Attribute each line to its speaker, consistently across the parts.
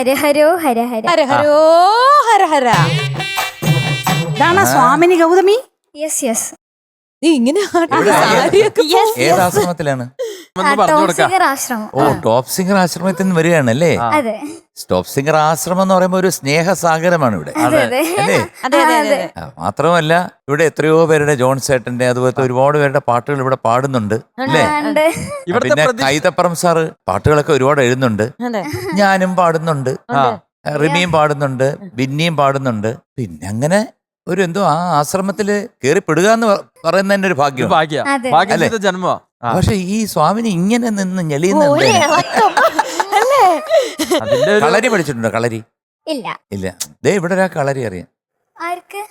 Speaker 1: ഹരഹരോ ഹരഹര.
Speaker 2: ഹരഹരോ ഹരഹര.
Speaker 3: ഇതാണ് സ്വാമിനി Gautami.
Speaker 1: Yes yes.
Speaker 2: നീ ഇങ്ങനെ
Speaker 4: ഏത് ആശ്രമത്തിലാണ്?
Speaker 1: ടോപ്പ് സിംഗർ ആശ്രമം.
Speaker 4: ഓ, ടോപ്പ് സിംഗർ ആശ്രമത്തിൽ നിന്ന് വരികയാണല്ലേ?
Speaker 1: അതെ
Speaker 4: ടോപ്പ് സിംഗർ ആശ്രമം എന്ന് പറയുമ്പോൾ ഒരു സ്നേഹസാഗരമാണ് ഇവിടെ
Speaker 1: അതെ അതെ
Speaker 4: അല്ലേ? മാത്രമല്ല ഇവിടെ എത്രയോ പേരുടെ ജോൺ സേട്ടന്റെ അതുപോലത്തെ ഒരുപാട് പേരുടെ പാട്ടുകൾ ഇവിടെ പാടുന്നുണ്ട് അല്ലേ? പിന്നെ കൈതപ്പുറം സാറ് പാട്ടുകളൊക്കെ ഒരുപാട് എഴുതുന്നുണ്ട്. ഞാനും പാടുന്നുണ്ട്, റിമിയും പാടുന്നുണ്ട്, ബിന്നിയും പാടുന്നുണ്ട്. പിന്നെ അങ്ങനെ ഒരു എന്തോ ആ ആശ്രമത്തില് കേറിപ്പെടുക എന്ന് പറയുന്നതിന്റെ ഒരു ഭാഗ്യം
Speaker 5: ജന്മ.
Speaker 4: പക്ഷെ ഈ സ്വാമിനി ഇങ്ങനെ നിന്ന് ഞെളിയുന്ന കളരി പഠിച്ചിട്ടുണ്ടോ? കളരി
Speaker 1: ഇല്ല
Speaker 4: ഇല്ല. ദേ ഇവിടെ ഒരാ കളരി അറിയാം.
Speaker 1: ആർക്ക്?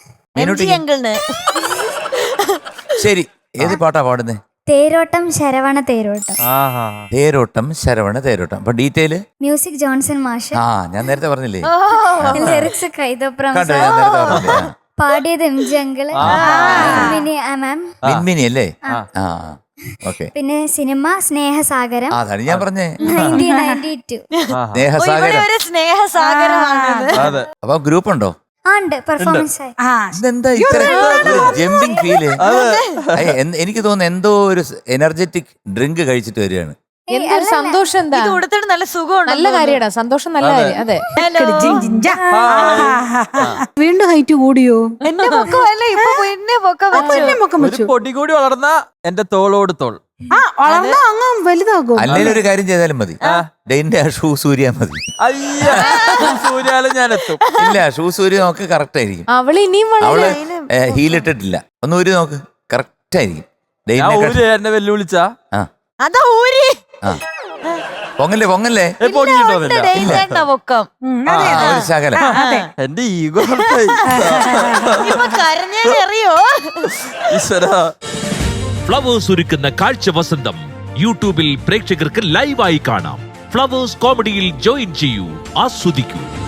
Speaker 4: ശരി, ഏത് പാട്ടാ പാടുന്നേ?
Speaker 1: തേരോട്ടം ശരവണ തേരോട്ടം.
Speaker 4: തേരോട്ടം ശരവണ തേരോട്ടം. അപ്പൊ ഡീറ്റെയില്
Speaker 1: മ്യൂസിക് ജോൺസൺ മാഷ്.
Speaker 4: ഞാൻ നേരത്തെ പറഞ്ഞില്ലേ?
Speaker 1: ലിറിക്സ് കൈതപ്രം.
Speaker 4: കണ്ടോ, ഞാൻ നേരത്തെ പറഞ്ഞില്ലേ?
Speaker 1: പാടിയത് M G uncle, ma'am,
Speaker 4: Minmini അല്ലേ? ഓക്കെ.
Speaker 1: പിന്നെ സിനിമ സ്നേഹസാഗരം.
Speaker 4: അതാണ് ഞാൻ പറഞ്ഞേ,
Speaker 1: 1992.
Speaker 4: സ്നേഹസാഗരം. അപ്പൊ ഗ്രൂപ്പ് ഉണ്ടോ?
Speaker 1: ഉണ്ട്, പെർഫോമൻസ്.
Speaker 4: ഇതെന്താ ഇത്ര ജമ്പിങ് ഫീല്? എനിക്ക് തോന്നുന്നു എന്തോ ഒരു എനർജറ്റിക് ഡ്രിങ്ക് കഴിച്ചിട്ട് വരികയാണ്.
Speaker 2: എന്തൊരു സന്തോഷം. എന്താ
Speaker 6: നല്ല സുഖമാണ്,
Speaker 2: നല്ല കാര്യടാ, സന്തോഷം, നല്ല കാര്യം. അതെ,
Speaker 3: വീണ്ടും ഹൈറ്റ് കൂടിയോ?
Speaker 6: എന്റെ പൊക്കമല്ല, പൊക്കം വെച്ചു.
Speaker 5: പൊടി കൂടി വളർന്ന എന്റെ തോളോട് തോൾ
Speaker 3: വളർന്ന അങ്ങ് വലുതാകും.
Speaker 4: അല്ലെങ്കിൽ ഒരു കാര്യം ചെയ്താലും മതി, ഡെയിന്റെ ഷൂ സൂര്യ മതി.
Speaker 5: സൂര്യാലും ഞാൻ എത്തും.
Speaker 4: ഇല്ല, ഷൂ സൂര്യ നോക്ക് കറക്റ്റ് ആയിരിക്കും.
Speaker 2: അവള് ഇനിയും
Speaker 4: അവള് ഹീലിട്ടിട്ടില്ല. ഒന്ന് ഊരി നോക്ക്, കറക്റ്റ് ആയിരിക്കും.
Speaker 5: എന്നെ വെല്ലുവിളിച്ച
Speaker 6: അതാ ഊരി
Speaker 4: പൊങ്ങല്ലേ പൊങ്ങല്ലേ
Speaker 6: പൊക്കം
Speaker 4: ഒരു ശകലം.
Speaker 5: എന്റെ ഈഗോ
Speaker 6: കരഞ്ഞറിയോ?
Speaker 7: ഫ്ലവേഴ്സ് ഒരുക്കുന്ന കാഴ്ച വസന്തം യൂട്യൂബിൽ പ്രേക്ഷകർക്ക് ലൈവായി കാണാം. ഫ്ലവേഴ്സ് കോമഡിയിൽ ജോയിൻ ചെയ്യൂ, ആസ്വദിക്കൂ.